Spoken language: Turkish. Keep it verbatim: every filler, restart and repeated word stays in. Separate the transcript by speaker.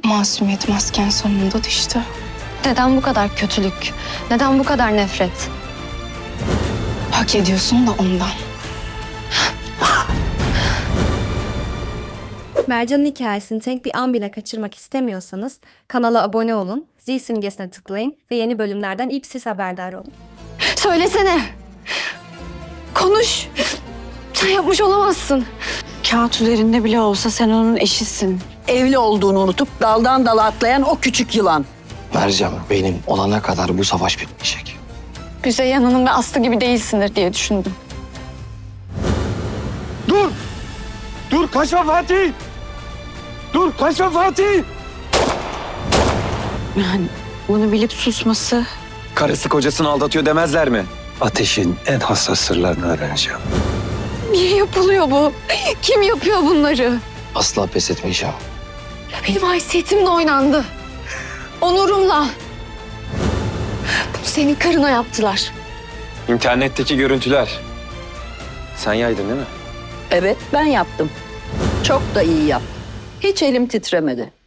Speaker 1: Masumiyet masken sonunda düştü.
Speaker 2: Neden bu kadar kötülük? Neden bu kadar nefret?
Speaker 1: Hak ediyorsun da ondan.
Speaker 3: Mercan'ın hikayesini tek bir an bile kaçırmak istemiyorsanız kanala abone olun, zil simgesine tıklayın ve yeni bölümlerden ilk siz haberdar olun.
Speaker 2: Söylesene. Konuş. Sen yapmış olamazsın.
Speaker 4: Kağıt üzerinde bile olsa sen onun eşisin.
Speaker 5: Evli olduğunu unutup daldan dala atlayan o küçük yılan.
Speaker 6: Mercan, benim olana kadar bu savaş bitmeyecek.
Speaker 2: Güzey Hanım ve Aslı gibi değilsindir diye düşündüm.
Speaker 7: Dur! Dur kaçma Fatih! Dur kaçma Fatih!
Speaker 4: Yani bunu bilip susması...
Speaker 7: Karısı kocasını aldatıyor demezler mi? Ateş'in en hassas sırlarını öğreneceğim.
Speaker 2: Niye yapılıyor bu? Kim yapıyor bunları?
Speaker 6: Asla pes etmeyeceğim.
Speaker 2: Benim haysiyetimle oynandı. Onurumla. Bunu senin karına yaptılar.
Speaker 7: İnternetteki görüntüler. Sen yaydın değil mi?
Speaker 5: Evet, ben yaptım. Çok da iyi yaptım. Hiç elim titremedi.